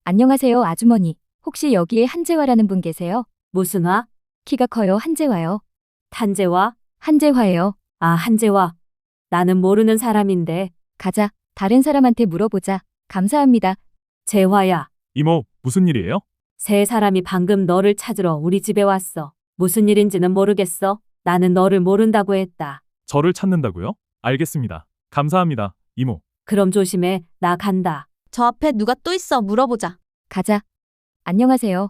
안녕하세요, 아주머니. 혹시 여기에 한재화라는 분 계세요? 무슨 화? 키가 커요, 한재화요. 탄재화? 한재화예요. 아, 한재화. 나는 모르는 사람인데. 가자. 다른 사람한테 물어보자. 감사합니다. 재화야. 이모, 무슨 일이에요? 세 사람이 방금 너를 찾으러 우리 집에 왔어. 무슨 일인지는 모르겠어. 나는 너를 모른다고 했다. 저를 찾는다고요? 알겠습니다. 감사합니다, 이모. 그럼 조심해. 나 간다. 저 앞에 누가 또 있어 물어보자. 가자. 안녕하세요.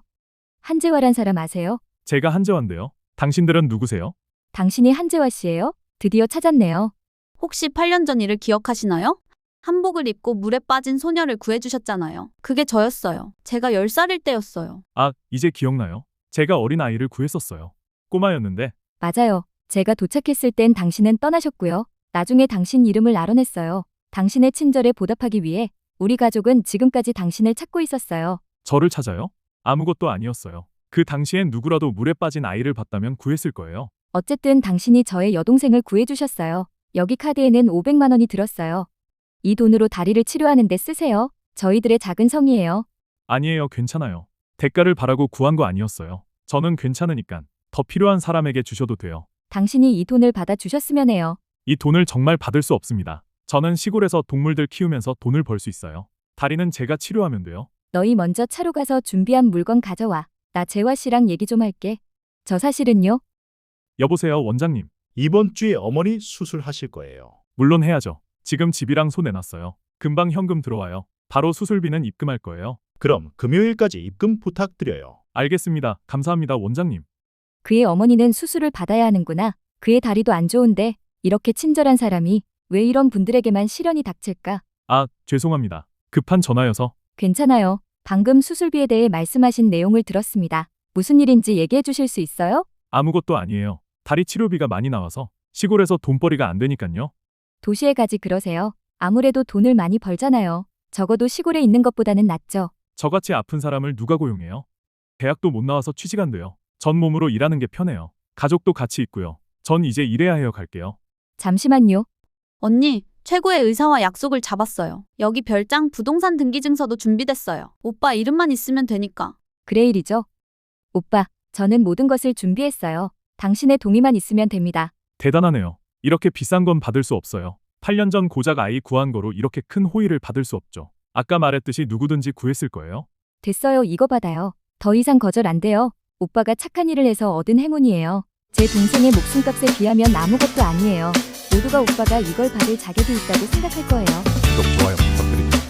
한재화란 사람 아세요? 제가 한재환인데요. 당신들은 누구세요? 당신이 한재화 씨예요? 드디어 찾았네요. 혹시 8년 전 일을 기억하시나요? 한복을 입고 물에 빠진 소녀를 구해주셨잖아요. 그게 저였어요. 제가 10살일 때였어요. 아, 이제 기억나요. 제가 어린 아이를 구했었어요. 꼬마였는데 맞아요. 제가 도착했을 땐 당신은 떠나셨고요. 나중에 당신 이름을 알아냈어요. 당신의 친절에 보답하기 위해 우리 가족은 지금까지 당신을 찾고 있었어요. 저를 찾아요? 아무것도 아니었어요. 그 당시엔 누구라도 물에 빠진 아이를 봤다면 구했을 거예요. 어쨌든 당신이 저의 여동생을 구해주셨어요. 여기 카드에는 500만 원이 들었어요. 이 돈으로 다리를 치료하는 데 쓰세요. 저희들의 작은 성의예요. 아니에요, 괜찮아요. 대가를 바라고 구한 거 아니었어요. 저는 괜찮으니까 더 필요한 사람에게 주셔도 돼요. 당신이 이 돈을 받아 주셨으면 해요. 이 돈을 정말 받을 수 없습니다. 저는 시골에서 동물들 키우면서 돈을 벌 수 있어요. 다리는 제가 치료하면 돼요. 너희 먼저 차로 가서 준비한 물건 가져와. 나 재화 씨랑 얘기 좀 할게. 저 사실은요. 여보세요, 원장님. 이번 주에 어머니 수술하실 거예요. 물론 해야죠. 지금 집이랑 손 내놨어요. 금방 현금 들어와요. 바로 수술비는 입금할 거예요. 그럼 금요일까지 입금 부탁드려요. 알겠습니다. 감사합니다, 원장님. 그의 어머니는 수술을 받아야 하는구나. 그의 다리도 안 좋은데 이렇게 친절한 사람이 왜 이런 분들에게만 시련이 닥칠까? 아, 죄송합니다. 급한 전화여서. 괜찮아요. 방금 수술비에 대해 말씀하신 내용을 들었습니다. 무슨 일인지 얘기해 주실 수 있어요? 아무것도 아니에요. 다리 치료비가 많이 나와서 시골에서 돈벌이가 안 되니깐요. 도시에 가지 그러세요. 아무래도 돈을 많이 벌잖아요. 적어도 시골에 있는 것보다는 낫죠. 저같이 아픈 사람을 누가 고용해요? 대학도 못 나와서 취직 안 돼요. 전 몸으로 일하는 게 편해요. 가족도 같이 있고요. 전 이제 일해야 해요. 갈게요. 잠시만요. 언니, 최고의 의사와 약속을 잡았어요. 여기 별장 부동산 등기증서도 준비됐어요. 오빠 이름만 있으면 되니까. 그레일이죠. 오빠, 저는 모든 것을 준비했어요. 당신의 동의만 있으면 됩니다. 대단하네요. 이렇게 비싼 건 받을 수 없어요. 8년 전 고작 아이 구한 거로 이렇게 큰 호의를 받을 수 없죠. 아까 말했듯이 누구든지 구했을 거예요. 됐어요. 이거 받아요. 더 이상 거절 안 돼요. 오빠가 착한 일을 해서 얻은 행운이에요. 제 동생의 목숨값에 비하면 아무것도 아니에요. 모두가 오빠가 이걸 받을 자격이 있다고 생각할 거예요. 구독, 좋아요 부탁드립니다.